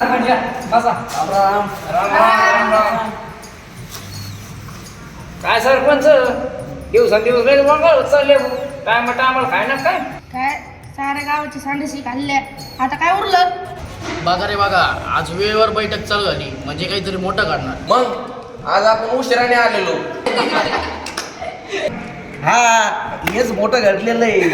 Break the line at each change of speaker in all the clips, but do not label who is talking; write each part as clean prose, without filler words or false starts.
बसा. राम राम. काय सरपंच दिवसेंदिवस लय वांगळ होत चालले काय म्हणता आम्हाला खायला काय
काय साऱ्या गावाची सांडशी खाल्ल्या आता काय उरलं.
बघा रे बघा, आज वेळेवर बैठक चालू झाली म्हणजे काहीतरी मोठं काढणार.
मग आज आपण उशिराने आलेलो.
हा हेच मोठं घडलेलं आहे.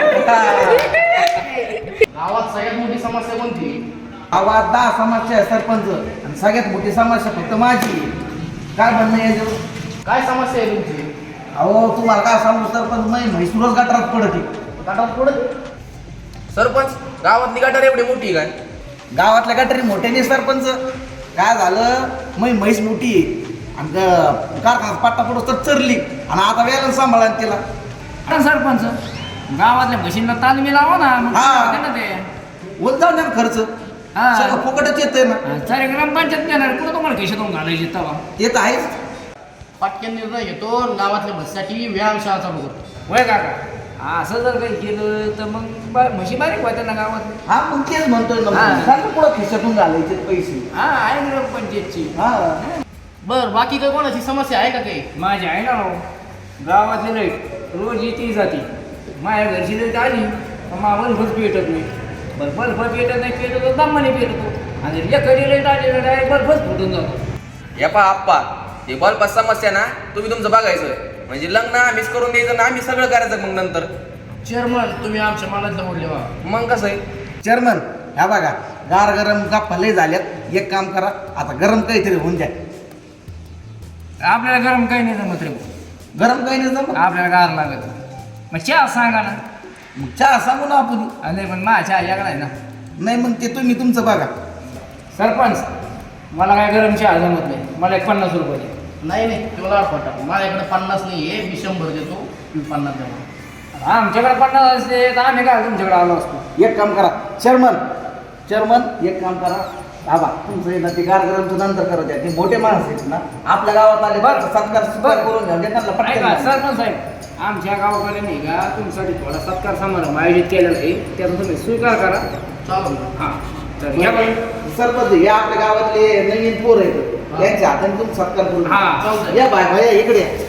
गावात सगळ्यात मोठी समस्या कोणती?
गावात 10 समस्या आहे सरपंच आणि सगळ्यात मोठी समस्या फक्त माझी आहे. काय म्हणणं आहे याच्यावर?
काय समस्या आहे तुमची?
अहो तुम्हाला काय सांगू सरपंच म्हैसूरच गटारात पडते.
गटार पुढे
सरपंच गावातली गटार एवढी मोठी काय?
गावातल्या गटारी मोठ्याने सरपंच काय झालं म्हैस मोठी आहे आणि कारखाना पट्टा पडूस तर चरली आणि आता वेळेला सांभाळा तिला.
आता सरपंच गावातल्या म्हशींना तालमी लावा ना मग
हा.
होते ना ते
होत जाऊ द्या ना खर्च
हा.
सगळं फुकटच येतंय ना.
सारे ग्रामपंचायत देणार कुठं तुम्हाला खिशातून घालायचे तवा
ते तर आहेच.
पटकन निर्णय घेतो आणि गावातल्या म्हशीसाठी व्यायामशाळा चालू करतो.
वय काका असं जर काही केलं तर मग म्हशी बारीक होत्या ना गावात.
हा मग तेच म्हणतोय ना
हा.
सांगा पुढं खिशातून घालायचे पैसे.
हा आहे ग्रामपंचायतची
हा
बर बाकी काही कोणाची समस्या आहे का काही?
माझी आहे ना राव. गावातली लाईट रोज येते जाते माझ्या घरची लाईट आली मला बल्बच पेटत नाही. बरं बल्ब पेटत नाही पेटत तर दमाने पेटतो आणि एखादी लाईट आली ना डायरेक्ट बल्बच फुटून जातो.
या पा आप्पा ते बल्ब समस्या ना तुम्ही तुमचं बघायचं म्हणजे लग्न आम्हीच करून द्यायचं ना आम्ही सगळं करायचं मग नंतर.
चेअरमन तुम्ही आमच्या मनातलं बोलले वा.
मग कसं आहे
चेअरमन ह्या बघा गार गरम गप्पा लय झाल्यात. एक काम करा आता गरम काहीतरी होऊन द्या.
आपल्याला गरम काही नाही जमत रे.
गरम काही नाही जमत.
आपल्याला गार लागत मग चहा सांगा ना.
मग चहा सांगू ना आपण.
आणि पण माझा चहा याकडा आहे ना.
नाही मग ते तुम्ही तुमचं बघा.
सरपंच मला काय गरम चहा जमत नाही. मला 50 रुपये दे.
नाही नाही तुला खोटा माझ्याकडे 50 नाही आहे. मी 100 देतो तुम्ही 50 द्या.
आमच्याकडे 50 असते तर आम्ही काय तुमच्याकडे आलो असतो.
एक काम करा चेअरमन एक काम करा बाबा तुमचं ना ते गार गरमचं नंतर करू द्या. ते मोठे माणसं आहेत ना आपल्या गावात आले बरं सत्कार करून घ्या त्यांना
ऐका
पटकन.
सरपंच साहेब आमच्या गावाकडे नाही का तुमच्यासाठी थोडा सत्कार समारंभ आयोजित केलेला आहे त्याचा तुम्ही स्वीकार करा.
चालू
हां तर घ्या बरं.
सरपंच हे आपल्या गावातले नवीन पोर आहेत त्यांच्या हाताने तुम्ही सत्कार करून घ्या.
हां
या बाय भाया इकडे या.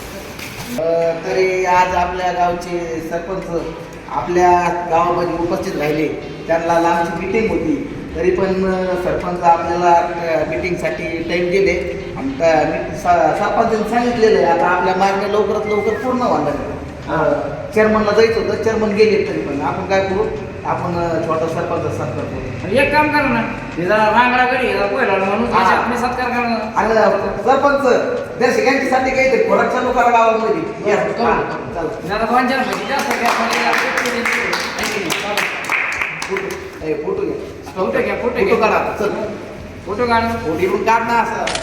तरी आज आपल्या गावचे सरपंच आपल्या गावामध्ये उपस्थित राहिले. त्यांना लांबची मीटिंग होती तरी पण सरपंच आपल्याला मीटिंगसाठी टाईम दिले आणि सरपंचांनी सांगितलेलं आहे आता आपल्या मागण्या लवकरात लवकर पूर्ण व्हायला. चेअरमनला जायचं होतं चेअरमन गेले तरी पण आपण काय करू आपण छोटा सरपंच सत्कार करू.
एक काम करा ना हे जरा रांगडा घरी पहिला म्हणून
हां.
आपली सत्कार करा.
आणि सरपंच दर्शकांसाठी काहीतरी खोराक चालू करा गावामध्ये. या, हां, चला.
जरा 2-4 महिने जास्त घ्या
फोटो घ्या
फोटो घ्या
फोटो काढा चल
फोटो काढ
फोटो काढ ना असं